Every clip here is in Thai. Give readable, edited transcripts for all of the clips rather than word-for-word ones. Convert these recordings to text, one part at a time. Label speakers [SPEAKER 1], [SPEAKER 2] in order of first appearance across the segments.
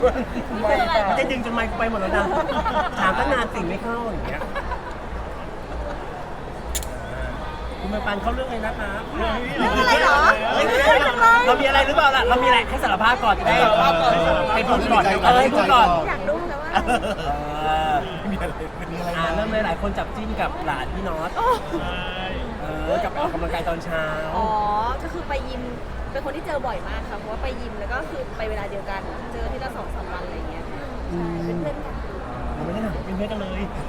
[SPEAKER 1] มันจะดึงจนไมค์ไปหมดแล้วนะถามตั้งนานสิ่งไม่เข้าอย่างเงี้ยคุณมาปันเข้าเรื่องเลยนะคะ
[SPEAKER 2] เรื่องอะไรเหรอ
[SPEAKER 1] เรามีอะไรหรือเปล่าล่ะเรามีอะไรให้สารภาพก่อนจะได้ให้พูดก่อนให้พูดก่อน
[SPEAKER 2] อยากรู้แต่ว่า
[SPEAKER 3] มีอะไร
[SPEAKER 1] เริ่มเลยหลายคนจับจิ้นกับหลานพี่น็อตกับออกกำลังกายตอนเช้า
[SPEAKER 2] อ๋อก็คือไปยิมเป็นคนที่เจอบ่อยมากค่ะเพราะว่าไปยิมแล้วก็คือไปเวลาเดียวกันเจอที่ละ2-3 วันอะไรอย่างเงี้ยใช่เป็นเพื่อนกัน
[SPEAKER 1] เราไม่ได้หนักเป็นเพื่อนกันเลย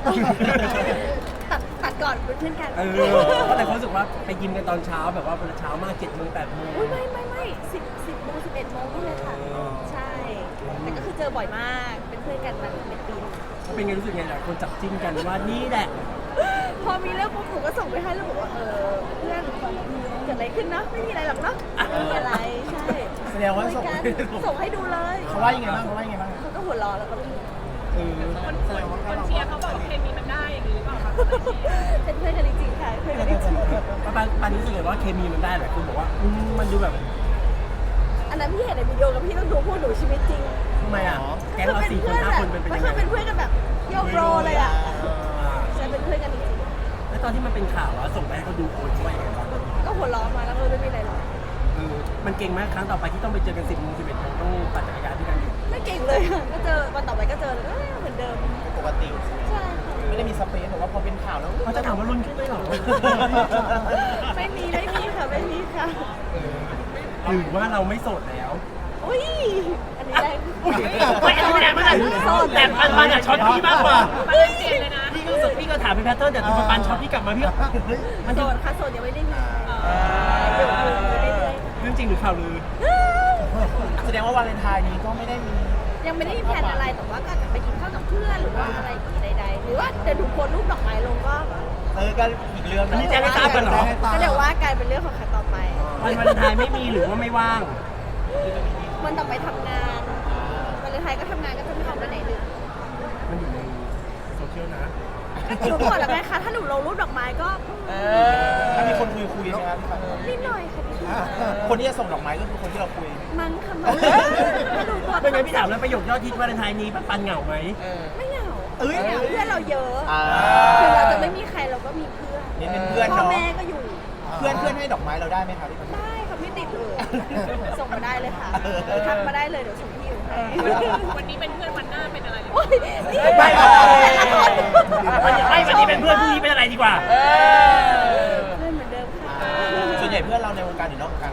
[SPEAKER 2] ตัดก่อนเป็นเพื่อนกัน
[SPEAKER 1] แต่เขารู้สึกว่าไปยิมกันตอนเช้าแบบว่าเช้ามาก7 โมง 8 โมง
[SPEAKER 2] อุ้ยไม่10 โมง 11 โมงนี่เลยค่ะใช่แต่ก็คือเจอบ่อยมากเป็นเพื่อนกันมาเป็นปี
[SPEAKER 1] เป็นไงรู้สึกไงหลายคนจับจิ้นกันว่านี่แหละ
[SPEAKER 2] พอมีเรื่องปุ๊บหนูก็ส่งไปให้แล้วบอกว่าเพื่อนเกิดอะไรขึ้นเนาะไม่มีอะไรหรอกเนาะไม่มีอะไรใช่
[SPEAKER 3] แสดงว่า
[SPEAKER 2] คุยกันส่งให้ดูเลย
[SPEAKER 3] เขาว่ายังไงบ้าง
[SPEAKER 2] เขาก็หัวเราะแล้วก็ไม่มี
[SPEAKER 4] คนเชียร์เขาบอกเคมีมันได้อย่างนี้หรือเปล่าคะ
[SPEAKER 2] เป็นเพื่อนกันจริงๆค่ะเพื่อนกันจริง
[SPEAKER 1] ปันรู้สึกเลยว่าเคมีมันได้แหละคุณบอกว่ามันดูแบบ
[SPEAKER 2] ๆอันนั้นพี่เห็นในวิดีโอกับพี่ต้องดูพวกหนูชีวิตจริง
[SPEAKER 1] ทำไมอ่ะแก๊งเรา4 คน 5 คนเป็น
[SPEAKER 2] มัน
[SPEAKER 1] ยัง
[SPEAKER 2] คือ
[SPEAKER 1] ไง
[SPEAKER 2] เป็นเพื่อนกันแบบโยกโรเลยอ่ะใช่เป็นเพื่อนกันจริง
[SPEAKER 1] แล้วตอนที่มันเป็นข่าวว่าส่งไปให้เขาดูโอนช่วยยังไงบ้าง
[SPEAKER 2] ๆก็หัวเราะมาแล้วไม่มีอะไรหรอก
[SPEAKER 1] มันเก่งมากครั้งต่อไปที่ต้องไปเจอกัน10 โมง 11 โมงต้องปั่นจักรยานด้วยกัน
[SPEAKER 2] ไม่เก่งเลยค่ะก็เจอวันต่อไปก็เจอเลยเหมือนเดิม
[SPEAKER 3] ปกติ
[SPEAKER 2] ใช่ค่ะ
[SPEAKER 3] ไม่ได้มีสเปซหรือว่าพอเป็นข่าวแล้ว
[SPEAKER 1] เขาจะถามว่ารุ่นขึ้นด้วยหรอ
[SPEAKER 2] ไม่มีค่ะไม่มีค่ะ
[SPEAKER 1] หรือว่าเราไม่โสดแล้ว
[SPEAKER 2] อุ้ยอันนี้แรง
[SPEAKER 1] ไม่เอาไม่ได้ไม่ได้แต่ปันอ่ะช็อตพี่มากกว่า
[SPEAKER 4] มันเป็นเปลี่ยนเลยนะ
[SPEAKER 1] พี่ก็รู้สึกพี่ก็ถามเป็นแพทเทิร์นแต่ตัวปันช็อตพี่กลับมาพี่มัน
[SPEAKER 2] โส
[SPEAKER 1] จะ
[SPEAKER 2] ดค่ะโสดยังไม่ได้มีอยู่เรื่อย
[SPEAKER 1] เรื่องจริงหรือข่าวลือ
[SPEAKER 3] แสดงว่าวาเลนไทน์นี้ก็ไม่ได้มี
[SPEAKER 2] ๆยังไม่ได้มีแผนอะไรแต่ว่าก็อาจจะไปกินข้าวกับเพื่อนหรือว่าอะไรอย่างงี้ใดๆหรือว่าเดี๋ยวถูกโพสต์รูปดอกไม้ลงก็
[SPEAKER 3] ก็อีกเรื่อง
[SPEAKER 1] อันนี้แจ้งให้ทราบกันเหรอ
[SPEAKER 2] ก็เดี๋ยวว่าการเป็นเรื่องของใครต่อไป
[SPEAKER 1] วันวาเลนไทน์ไม่มีหรือว่าไม่ว่าง
[SPEAKER 2] มันต่อไปทำงานวันเลนไทน์ก็ทำงานก็จะไม่ออกมาไหนเลย
[SPEAKER 1] มันอยู่ในโซเชียลนะ
[SPEAKER 2] หนูบอกแล้วไงคะถ้าหนูลงรูปดอกไม้ก็
[SPEAKER 3] ถ้ามีคนคุยใช่ไหมพี่ปัน
[SPEAKER 2] นิดหน่อยค่ะนิดหน่อย
[SPEAKER 3] คนที่จะส่งดอกไม้ก็คือคนที่เราคุย
[SPEAKER 2] มั้งค่ะมั้งไม่รู้ตัว
[SPEAKER 1] เป็นไงพี่ถามแล้วประโยคยอดฮิตวาเลนไทน์นี้ปันเหงาไหม
[SPEAKER 2] ไม่เหงาไม่เหงาเพื่อนเราเยอะถึงเราจะไม่มีใครเราก็มีเพื่อน
[SPEAKER 3] นี่เป็นเพื่อน
[SPEAKER 2] พ่อ
[SPEAKER 3] เนาะ
[SPEAKER 2] แม่ก็อยู่
[SPEAKER 3] เพื่อนให้ดอกไม้เราได้ไหมครับพี่ปัน
[SPEAKER 2] ได้ค่ะไม่ติดเลยส่งมาได้เลยค่ะทักมาได้เลยเดี๋ยวส่งที่อยู่ให้
[SPEAKER 4] วันนี้เป็นเพื่อนวันหน้าเป็นอะไรหรือ
[SPEAKER 2] โอ้ยนี่
[SPEAKER 1] ไม่
[SPEAKER 2] แต่ละคน
[SPEAKER 1] วันนี้เป็นเพื่อนพรุ่งนี้เป็นอะไรดีกว่า
[SPEAKER 2] เพื่อนเหมือนเดิมค่ะ
[SPEAKER 3] ส่วนใหญ่เพื่อนเราในวงการหรือนอกวงการ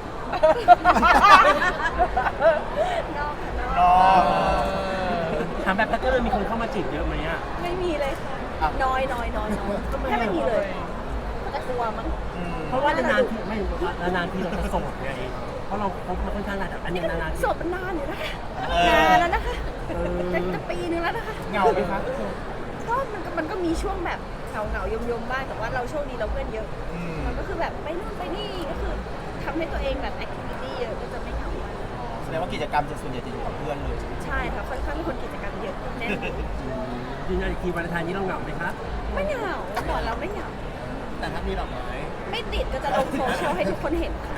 [SPEAKER 2] นอกค่ะน
[SPEAKER 3] น
[SPEAKER 2] อก
[SPEAKER 3] อก
[SPEAKER 1] ถามแบบแพทเทิร์นมีคนเข้ามาจีบเยอะไหมอ่ะ
[SPEAKER 2] ไม่มีเลยค่ะน้อยแค่ไม่มีเลยมันจะกลัวมั้ง
[SPEAKER 1] เพราะว่านานๆทีไม่นานๆทีเราจะโสดไงเพราะเราคบมาค่อนข้างนานแต่อันนี้นานๆที
[SPEAKER 2] โสดมานานอยู่นะคะนานแล้วนะคะจะปีนึงแล้วนะคะ
[SPEAKER 3] เหงาไหมคะ
[SPEAKER 2] ก็มันก็มีช่วงแบบเหงายมบ้างแต่ว่าเราโชคดีเราเพื่อนเยอะ มันก็คือแบบไปนู่นไปนี่ก็คือทำให้ตัวเองแบบแอคทิวิตี้เยอะก็จะไม่เหงา
[SPEAKER 3] แสดงว่ากิจกรรมจะส่วนใหญ่จะอยู่กับเพื่อนเลย
[SPEAKER 2] ใช่ค่ะค่อนข้างเป็นคนกิจกรรมเยอะแน่น
[SPEAKER 1] ยืนยันอีกทีวาเลนไทน์นี้เราเหงาไหมครับ
[SPEAKER 2] ไม่เหงาบอกเราไม่เหงา
[SPEAKER 3] แต่ถ้ามีดอกไม้
[SPEAKER 2] ไม่ติดก็จะลงโซเชียลให้ทุกคนเห็นค่ะ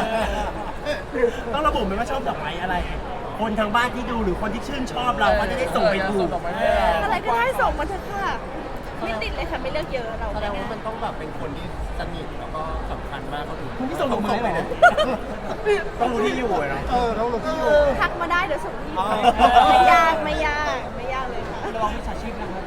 [SPEAKER 1] ต้องระบุไหมว่าชอบดอกไม้อะไร คนทางบ้านที่ดูหรือคนที่ชื่นชอบเราก็จะได้ส่งไปถูก
[SPEAKER 2] อะไรก็ได้ส่งมาเถอะค่ะไม่ติดเลยค่ะไม่เลือกเยอะเรา
[SPEAKER 3] แสดงว่ามันต้องแบบเป็นคนที่สนิทแล้วก็สำคัญมากเขาถึง
[SPEAKER 1] คุณที่ส่งดอกไม้เหรอ
[SPEAKER 3] ต้องรู้ที่อยู่อะเนาะต้องรู้ที่อยู่
[SPEAKER 2] ทักมาได้เดี๋ยวส่งที่
[SPEAKER 3] อ๋อ
[SPEAKER 2] ไม่ยากไม่ยากเลยค่ะ
[SPEAKER 1] ระวังมิจฉาชีพนะครับ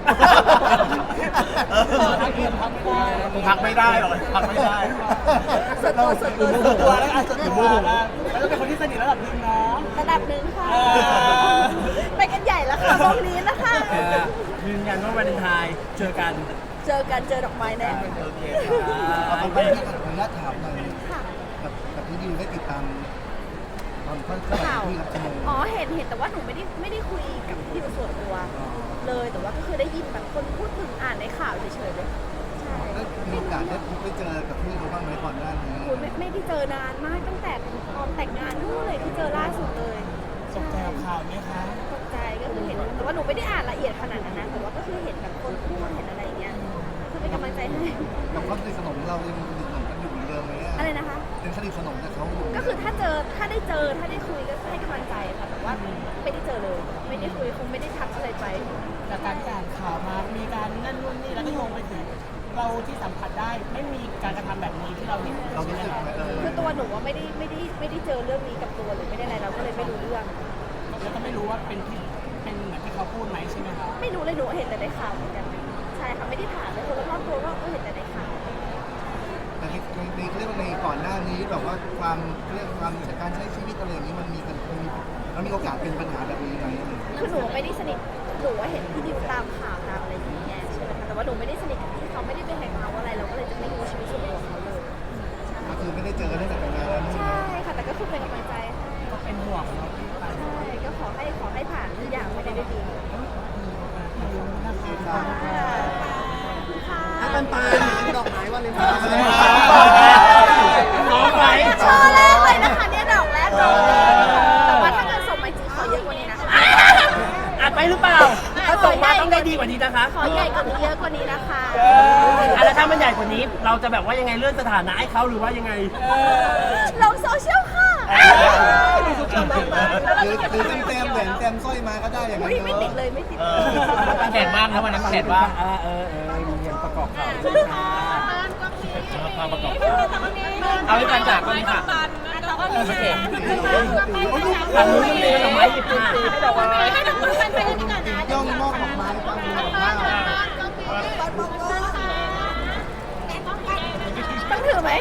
[SPEAKER 3] พักไม่ได้หรอกพักไม่ได้
[SPEAKER 2] ส่วนตัวแล้วอาจจะ
[SPEAKER 3] ถึงโมโห
[SPEAKER 1] แล้วก็เป็นคนที่สนิทระดับนึงเนาะ
[SPEAKER 2] ระดับหนึ่งค่ะ ไปกันใหญ่แล้วค่ะวงนี้นะคะ
[SPEAKER 1] ยืนยันว่าวาเลนไทน์เจอกัน
[SPEAKER 2] เจอดอกไม้แน่
[SPEAKER 3] โอเค
[SPEAKER 1] เอา
[SPEAKER 3] ไป
[SPEAKER 1] ไป
[SPEAKER 5] ขออนุญาตถามหน่อย
[SPEAKER 2] ค่ะ
[SPEAKER 5] กับที่ดิวได้ติดตามตอนเขา
[SPEAKER 2] ข่าว
[SPEAKER 5] ที่กับชั่วโมง
[SPEAKER 2] อ๋อเห็นแต่ว่าหนูไม่ได้คุยกับพี่ส่วนตัวเลยแต่ว่าก็คือได้ยินแบบคนพูดถึงอ่านในข่าวเฉยๆเลยใช่
[SPEAKER 5] ได้มีโอกาสได้พบไปเจอกับพี่เขาบ้างไหมก่อนหน้านี้
[SPEAKER 2] คุณไม่ได้เจอนานมากตั้งแต่ตอนแต่งงานนู่นเลยที่เจอล่าสุดเลย
[SPEAKER 3] ตกใจกับข่าวไหมคะ
[SPEAKER 2] ตกใจก็คือเห็นแต่ว่าหนูไม่ได้อ่านละเอียดขนาดนั้นนะแต่ว่าก็คือเห็นแบบคนพูดเห็นอะไรอย่างเงี้ยคือเป็นกำลังใจให้
[SPEAKER 5] กับความสนิทสนมเรายังสนิทสนมกันอยู่เหมือนเดิมไหม
[SPEAKER 2] อะไรนะคะ
[SPEAKER 5] ยยังสนิทสนมกับเขาอยู่
[SPEAKER 2] ก็คือถ้าได้เจอถ้าได้คุยก็ให้กำลังใจค่ะแต่ว่าไม่ได้เจอเลยไม่ได้คุยคงไม่ได้ทักอะไรไป
[SPEAKER 6] จากการอ่านข่าวมามีการนั่นนู่นนี่แล้วก็โยงไปถึงเราที่สัมผัสได้ไม่มีการกระทำแบบนี้ที่เราเห็น
[SPEAKER 5] เรารู้สึกไหม
[SPEAKER 2] คือตัวหนูว่าไม่ได้เจอเรื่องนี้กับตัวหรือไม่ได้อะไรเราก็เลยไม่รู้เรื่อง
[SPEAKER 6] แล้วก็ไม่รู้ว่าเป็นเหมือนที่เขาพูดไหมใช่ไหมคะ
[SPEAKER 2] ไม่รู้เลยหนูเห็นแต่ในข่าวเหมือนกันใช่ค่ะไม่ได้ถามเลยคนรอบตัวก็เห็นแต่ในข่าว
[SPEAKER 5] แต่ในเรื่องในก่อนหน้านี้แบบว่าความเรื่องความการใช้ชีวิตอะไรอย่างนี้มันมีโอกาสเป็นปัญหาแบบนี้ไหม
[SPEAKER 2] คือหนูไม่ได้สนิทหนูว่าเห็นที่ดิวตามข่าวตามอะไรอย่างเงี้ยใช่ไหมคะแต่ว่าหนูไม่ได้สนิทกับที่เขาไม่ได้ไปแฮงเอาท์อะไรเราก็เลยจะไม่รู้ชีวิตส่วนตัวของเขาเลย
[SPEAKER 5] ก็คือไม่ได้เจอกันตั้งแต่แต่งงานแล้ว
[SPEAKER 2] ใช่ค่ะแต่ก็คือเป็นกำลังใจให้
[SPEAKER 6] ก็เป็นห่วงเนาะที่ไป
[SPEAKER 2] ใช่ก็ขอให้ผ่านทุกอย่างไปได้ด้วยดี
[SPEAKER 6] นะคะ
[SPEAKER 5] ปันดอกไม้วันเลย
[SPEAKER 1] น้องไว้
[SPEAKER 2] โชว์แรกเลยนะคะเนี่ยดอกแรกเลยแต่ว่าถ้าเกิดส่งมาจริงขอเยอะกว่านี้นะคะ
[SPEAKER 1] อัดไปหรือเปล่า ถ้าส่งมาต้องได้ดีกว่านี้นะคะ
[SPEAKER 2] ขอใหญ่กว่านี้เยอะกว่านี้นะคะ
[SPEAKER 1] แล้วถ้ามันใหญ่กว่านี้ เราจะแบบว่ายังไงเลื่อนสถานะให้เขาหรือว่ายังไง
[SPEAKER 2] ลงโซเชียลค่ะ
[SPEAKER 5] หรือเต็มแหวนเต็มสร้อยมาก็ได้อย่างนั้
[SPEAKER 2] อุ้
[SPEAKER 5] น
[SPEAKER 2] ยไม่ติดเลยไม่ติดเลย
[SPEAKER 1] แขนว่างนะวันนั้นแขนว่างมีเงินประกอบข่าวมาประกอบเอาให้ปันจากคนนี้ค่ะโอเคทางนู้นมันมีดอกไม้หยิบมาให้ดอกไม้
[SPEAKER 4] ให้ดอกไม้ไปกันดีกว่านะ
[SPEAKER 5] ย่องมอบดอกไม้ฟังดอกไม้
[SPEAKER 2] ต้องถือไหม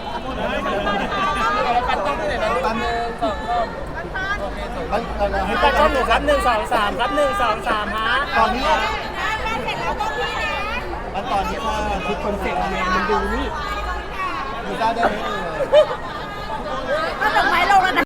[SPEAKER 1] ให้ปันช่องหนูครับ1 2 3ครับ1 2 3ฮะ
[SPEAKER 5] ตอนนี้
[SPEAKER 2] เสร็จแล้วต้องพี่นะ
[SPEAKER 5] มันตอนนี้ค่ะ
[SPEAKER 1] คือคอนเซ็ปต์แมนมันดูนี่
[SPEAKER 5] ดูได้ไหม
[SPEAKER 2] เอาดอกไม้ลงแล้วนะ